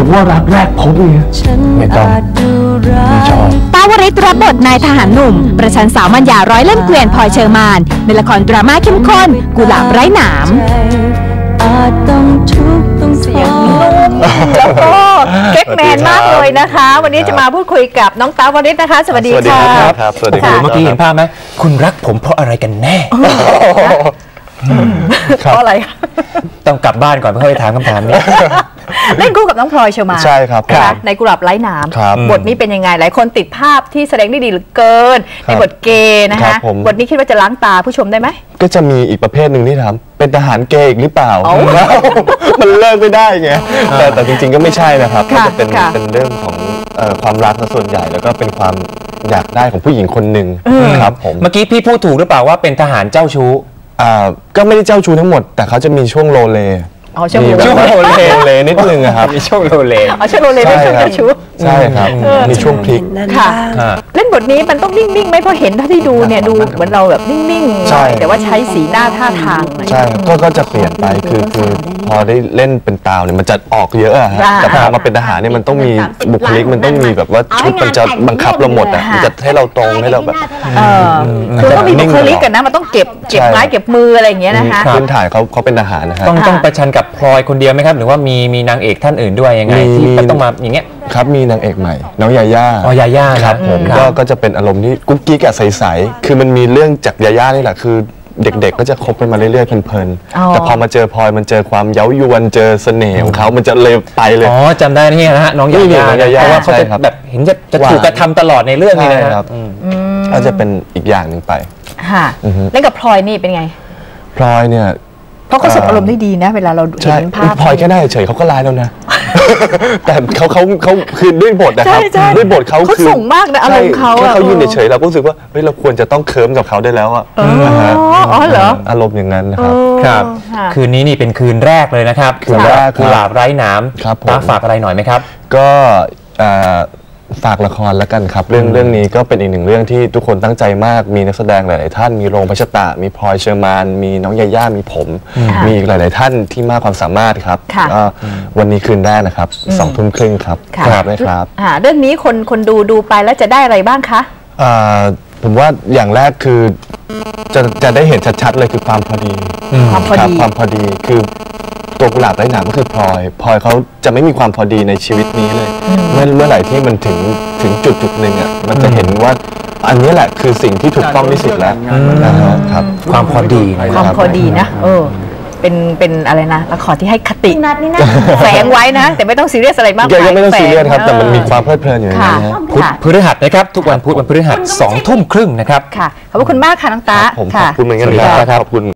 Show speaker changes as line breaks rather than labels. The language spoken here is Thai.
ว่ารักแรกพบเนี่ยไม่ต้องไม่ชอบ
ปาวริศรับบทนายทหารหนุ่มประชันสาวมัญญาร้อยเล่มเกวียนพลอยเชอร์มานในละครดราม่าเข้มข้นกุหลาบไร้หนาม
เสียงนุ่มแล้วก็เก๊กแมนมากเลยนะคะวันนี้จะมาพูดคุยกับน้องตาวริศนะคะสวัสดีค่ะ
ครับสวัสดีครับ
เมื่อกี้เห็นภาพไหมคุณรักผมเพราะอะไรกันแน่
เพราะอะไร
ต้องกลับบ้านก่อนเพื่อไปถามคำถามนี้
เล่นคู่กับน้องพลอยเชอร์มาน
ใช่ครับ
ในกุหลาบไร้หนามบทนี้เป็นยังไงหลายคนติดภาพที่แสดงได้ดีเหลือเกินในบทเกย์นะคะบทนี้คิดว่าจะล้างตาผู้ชมได้ไหม
ก็จะมีอีกประเภทหนึ่งที่ทำเป็นทหารเกย์อีกหรือเปล่ามันเลิกไม่ได้ไงแต่จริงๆก็ไม่ใช่นะครับก็จะเป็นเรื่องของความรักส่วนใหญ่แล้วก็เป็นความอยากได้ของผู้หญิงคนหนึ่งครับผม
เมื่อกี้พี่พูดถูกหรือเปล่าว่าเป็นทหารเจ้าชู้
ก็ไม่ได้เจ้าชู้ทั้งหมดแต่เขาจะมีช่วงโลเล
ช่วง
โลเลนิดนึงครับ
มีช่วงโลเล
ช่วงโลเลเป็นช่วงเจ้าชู้
ใช่ครับมีช่วงพลิก
ค่ะเล่นบทนี้มันต้องนิ่งๆไหมเพราะเห็นถ้าที่ดูเนี่ยดูเหมือนเราแบบนิ่งๆแต่ว่าใช้สีหน้าท่าทาง
ใช่ก็จะเปลี่ยนไปคือพอได้เล่นเป็นตาวเนี่ยมันจะออกเยอะอะแต่พอมาเป็นทหารเนี่ยมันต้องมีบุคลิกมันต้องมีแบบว่าชุดมันจะบังคับเราหมดอ่ะมันจะให้เราตรงให้เราแบบ
คือต้องมีบุคลิกกันนะมันต้องเก็บไม้เก็บมืออะไรอย่างเงี้ยนะคะ
พื้นฐานเขาเป็นทหารนะฮะ
ต้องประชันกับพลอยคนเดียวไหมครับหรือว่ามีนางเอกท่านอื่นด้วยยังไงที่ต้องมาอย่างเงี้ย
ครับมีนางเอกใหม่น้องยาย่า
ยาย่า
ครับผมก็จะเป็นอารมณ์ที่กุ๊กกิ๊กใสๆคือมันมีเรื่องจากยาย่านี่แหละคือเด็กๆก็จะคบกันมาเรื่อยๆเพลินๆแต่พอมาเจอพลอยมันเจอความเย้ายวนเจอเสน่ห์ของเขามันจะเลยไปเลย
จำได้นี่นะฮะน้องยาย่าเพราะว่าเขาจะแบบเห็นจะถูกกระทำตลอดในเรื่องนี้นะครับ
ก็จะเป็นอีกอย่างหนึ่งไป
ค่ะเล่นกับพลอยนี่เป็นไง
พลอยเนี่ย
เพราะเขาส่งอารมณ์ได้ดีนะเวลาเราเห็นภาพ
พลอยแค่ได้เฉยเขาก็ร้ายแล้วนะแต่เขาคือด้วยบทนะครับด้วยบทเขา
คือส่งมากนะอารมณ์เขา
แค่เขายืนเฉยเราก็รู้สึกว่าเฮ้ยเราควรจะต้องเคิร์มกับเขาได้แล้วอ่ะ
เหรอ
อารมณ์อย่างนั้นนะครับ
ครับคืนนี้นี่เป็นคืนแรกเลยนะครับ
คืนแรก
กุหลาบไร้หนามฝากอะไรหน่อยไหมครับ
ก็ฝากละครแล้วกันครับเรื่องนี้ก็เป็นอีกหนึ่งเรื่องที่ทุกคนตั้งใจมากมีนักแสดงหลายๆท่านมีโรงพัชตะมีพลอยเชอร์มานมีน้องยาย่ามีผมมีอีกหลายๆท่านที่มากความสามารถครับก็วันนี้คืนแรกนะครับ20:30ครับได้ครับ
เรื่องนี้คนดูไปแล้วจะได้อะไรบ้างคะ
ผมว่าอย่างแรกคือจะได้เห็นชัดๆเลยคือความพอดีความพอดีคือตัวกุหลาบไร้หนามก็คือพลอยเขาจะไม่มีความพอดีในชีวิตนี้เลยเมื่อไหร่ที่มันถึงจุดหนึ่งอ่ะมันจะเห็นว่าอันนี้แหละคือสิ่งที่ถูกต้องที่สุดแล้วนะครับ
ความพอดี
นะเป็นอะไรนะละครที่ให้คติแฝงไว้นะแต่ไม่ต้องซีเรียสอะไรมาก
ยังไม่ต้องซีเรียสครับแต่มันมีความเพลิดเพลินอยู่ในนั้น
พุธพฤหัสนะครับทุกวันพุธวันพฤหัส20:30นะครับ
ค่ะขอบคุณมากค่ะน้องตา
ผมขอบคุณเหมือนกันครับขอบคุณ